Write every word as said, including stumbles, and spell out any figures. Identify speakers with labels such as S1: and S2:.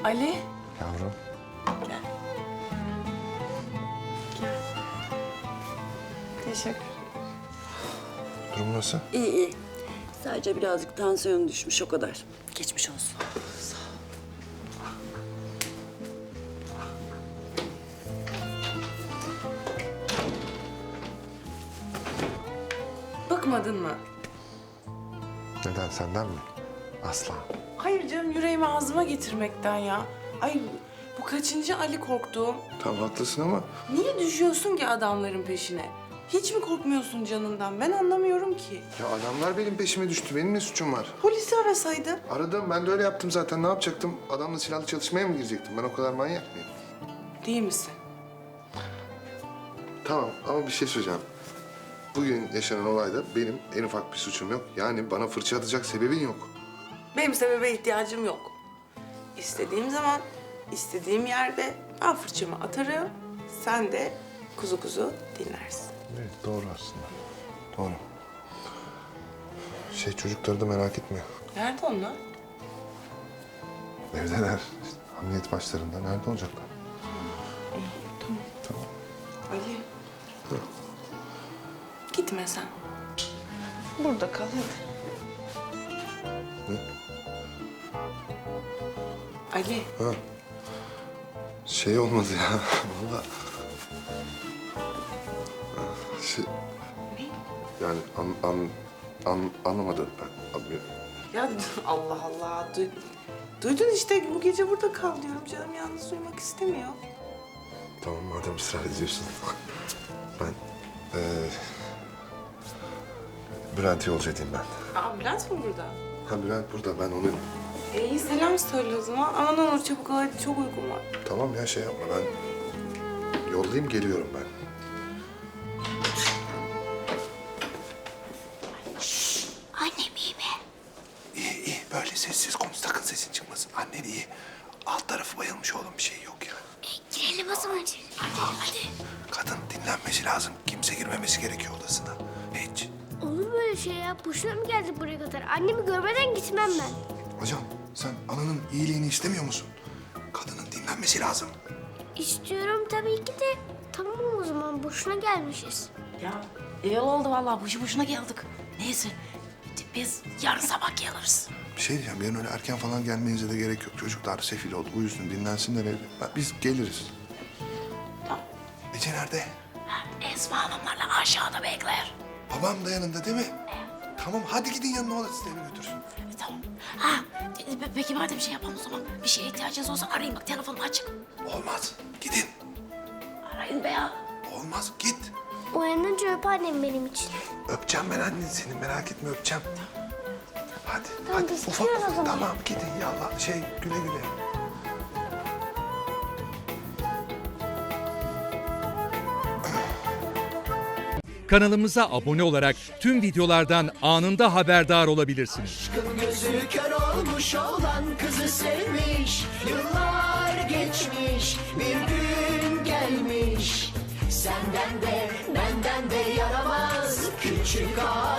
S1: Ali.
S2: Yavrum.
S1: Gel. Gel. Teşekkür.
S2: Durum nasıl?
S3: İyi iyi. Sadece birazcık tansiyonu düşmüş o kadar. Geçmiş olsun.
S1: Bıkmadın mı?
S2: Neden, senden mi? Asla.
S1: Hayır canım, yüreğimi ağzıma getirmekten ya. Ay bu kaçıncı Ali korktuğum?
S2: Tamam haklısın ama
S1: Niye düşüyorsun ki adamların peşine? Hiç mi korkmuyorsun canından? Ben anlamıyorum ki.
S2: ya adamlar benim peşime düştü. Benim ne suçum var?
S1: Polisi arasaydın.
S2: Aradım, ben de öyle yaptım zaten. Ne yapacaktım? Adamla silahlı çalışmaya mı girecektim? Ben o kadar manyak mıyım?
S1: Değil misin?
S2: Tamam ama bir şey söyleyeceğim. Bugün yaşanan olayda benim en ufak bir suçum yok. Yani bana fırça atacak sebebin yok.
S1: Benim sebebe ihtiyacım yok. İstediğim zaman, istediğim yerde ben fırçamı atarım. Sen de kuzu kuzu dinlersin.
S2: Evet, doğru aslında. Doğru. Şey, çocukları da merak etme.
S1: Nerede onlar?
S2: Evdeler. İşte, hamiyet başlarında. Nerede olacaklar?
S1: İyi, tamam.
S2: Tamam.
S1: Ali.
S2: Hı.
S1: Gitme sen. Burada kal hadi.
S2: Ne?
S1: Ali.
S2: Ha. Şey olmadı ya. Vallahi. Şey...
S1: Ne?
S2: Yani an, an, an, anlamadım ben. Anlıyorum.
S1: Ya Allah Allah. Duy, duydun işte, bu gece burada kal diyorum. Canım yalnız uyumak istemiyor.
S2: Tamam, madem ısrar ediyorsun. Ben... Ee, Bülent'e yolcu edeyim ben.
S1: Aa, Bülent mi burada?
S2: Ha, Bülent burada. Ben onu...
S1: E, iyi, selam söyle o zaman. Aman olur çabuk ol, hadi çok uykum var.
S2: Tamam ya, şey yapma. Ben yollayayım, geliyorum ben.
S4: Annem iyi mi?
S2: İyi iyi. Böyle sessiz konuş. Sakın sesin çıkmasın. Annen iyi. Alt tarafı bayılmış oğlum. Bir şey yok ya.
S4: E, girelim o zaman. Hadi hadi.
S2: Kadın dinlenmesi lazım. Kimse girmemesi gerekiyor odasına. Hiç.
S4: Olur böyle şey ya. Boşuna mı geldik buraya kadar? Annemi görmeden gitmem ben.
S2: Hocam, sen ananın iyiliğini istemiyor musun? Kadının dinlenmesi lazım.
S4: İstiyorum tabii ki de. Tamam o zaman boşuna gelmişiz.
S5: Ya iyi oldu vallahi, boşu boşuna geldik. Neyse, biz yarın sabah geliriz.
S2: Bir şey diyeceğim. Yarın öyle erken falan gelmenize de gerek yok. Çocuklar sefil oldu. Uyusun, dinlensinler evde. Ben- Biz geliriz.
S5: Tamam.
S2: Ece nerede?
S5: Ha, Esma Hanımlarla aşağıda bekler.
S2: Babam da yanında değil mi? Tamam, hadi gidin yanına, o da sizi eve götürsün.
S5: E, tamam. Ha, e, pe- peki madem bir şey yapalım o zaman. Bir şeye ihtiyacınız olsa arayın, bak telefonum açık.
S2: Olmaz. Gidin.
S5: Arayın be ya.
S2: Olmaz. Git.
S4: Uyanınca öp annem benim için.
S2: Öpeceğim ben annen seni. Merak etme, öpeceğim. Hadi.
S4: Tamam,
S2: hadi.
S4: biz
S2: Ufak
S4: gidiyoruz o
S2: ufak.
S4: zaman.
S2: Tamam, gidin yallah. Şey, güle güle.
S6: Kanalımıza abone olarak tüm videolardan anında haberdar olabilirsiniz.
S7: Aşkın gözü kör olmuş olan kızı sevmiş. Yıllar geçmiş, bir gün gelmiş. Senden de benden de yaramaz küçük ağa.